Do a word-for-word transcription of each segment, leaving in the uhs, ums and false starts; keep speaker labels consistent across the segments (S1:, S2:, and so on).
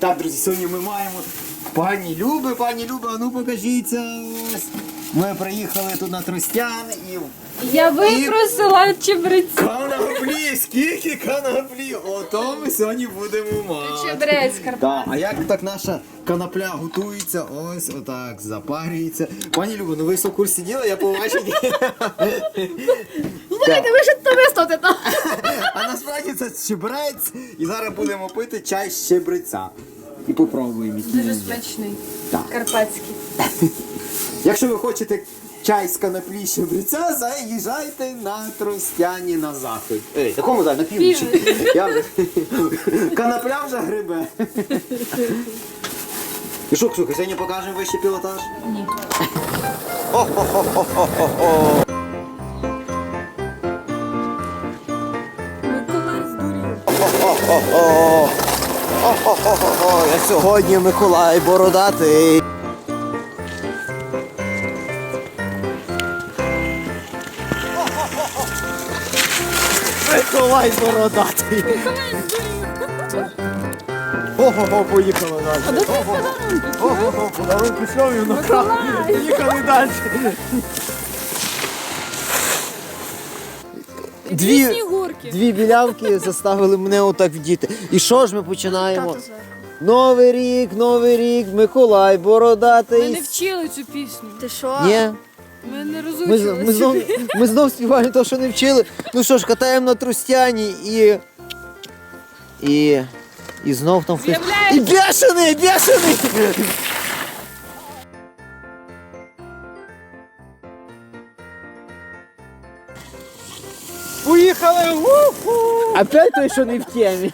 S1: так, друзі, сьогодні ми маємо пані Люби, пані Люба, а ну покажіться. Ось. Ми приїхали тут на Тростян і...
S2: Я випросила чебрець.
S1: Канаплі, скільки канаплі, ото ми сьогодні будемо мати.
S2: Чебрець,
S1: Так,
S2: Карпат.
S1: а як так наша канапля готується, ось отак запарюється. Пані Люба, ну ви в курсі діла, я побачив.
S2: Слухайте, ви ж то виставте там.
S1: А насправді це щебрець, і зараз будемо пити чай з щебреця. І попробуємо. який
S2: Дуже
S1: він є.
S2: смачний.
S1: Так.
S2: Карпатський.
S1: Якщо ви хочете чай з канаплі щебреця, заїжджайте на Тростяні на захід. Ей, якому зараз? На півночі. Я вже... Канапля вже грибе. І що, Ксюха, сьогодні покажемо вищий пілотаж?
S2: Ні. Миколай здурів.
S1: О-хо-хо-хо, я сьогодні Миколай бородатий. Миколай бородатий.
S2: Миколай здурів.
S1: Ого-го, поїхали далі.
S2: А де твої подарунки?
S1: Ого-го, подарунки шльомів накрав.
S2: Миколай.
S1: Поїхали далі.
S2: Дві снігурки.
S1: Дві білявки заставили мене отак вдіти. І що ж ми починаємо?
S2: Тато зараз.
S1: Новий рік, новий рік, Миколай бородатий.
S2: Ми не вчили цю пісню. Ти що?
S1: Ні.
S2: Ми не
S1: Ми,
S2: розучили
S1: ми, знов,
S2: цю.
S1: ми знов співаємо те, що не вчили. Ну що ж, катаємо на Тростяні і. І. І знов там хтось. І бешений, бешений!
S3: Поїхали! У-ху!
S1: Опять той, що не в темі.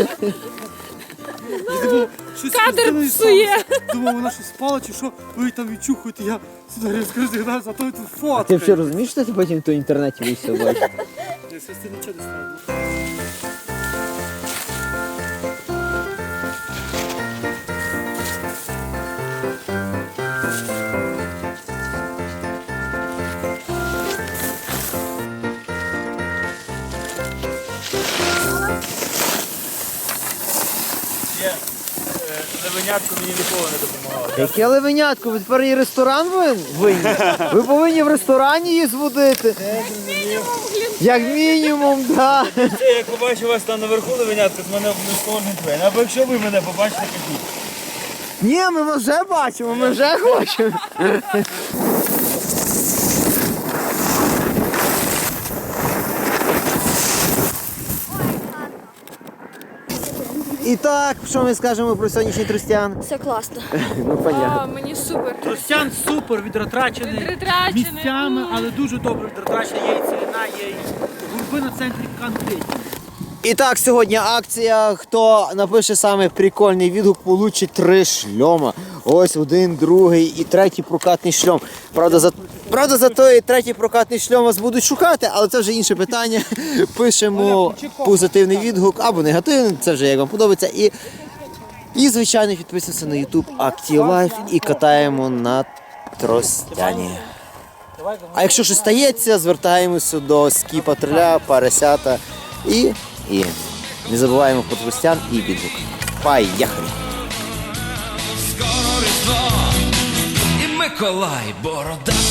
S3: Я думав, щось
S2: Кадр
S3: спустили
S2: псує.
S3: сам. Думав, вона щось спала чи що, ви там відчухуєте, я сюди різко розігнався, а то тут фотка.
S1: Ти взагалі розумієш, що ти потім в той інтернеті вийшов бачиш?
S3: Я щось ти нічого не ставив. Левенятко мені ніколи не допомагало.
S1: Яке левенятко, ви тепер і ресторан винні? Ви повинні в ресторані її зводити. Як мінімум, так.
S3: Це, як побачу вас там наверху левенятко, з мене не сповнить двері. Або якщо ви мене побачите, кажіть.
S1: Ні, ми вас вже бачимо, ми вже хочемо. І так, що ми скажемо про сьогоднішній Тростян?
S2: Все класно.
S1: Ну, понятно.
S2: А, мені супер.
S3: Тростян супер, відротрачений
S2: Відротрачений.
S3: місцями, але дуже добре відротрачений. Є і цілина, є і гурби на центрі конкретні.
S1: І так, сьогодні акція. Хто напише саме прикольний відгук, получить три шльома. Ось один, другий і третій прокатний шльом. Правда, за, правда, за той третій прокатний шльом вас будуть шукати, але це вже інше питання. Пишемо позитивний відгук або негативний, це вже як вам подобається. І, і звичайно, підписуємося на YouTube Active Life і катаємо на Тростяні. А якщо щось стається, звертаємося до ски-патруля, Парасята і, і не забуваємо про Тростян і відгук. Поїхали!
S4: Скоро Різдво і Миколай борода.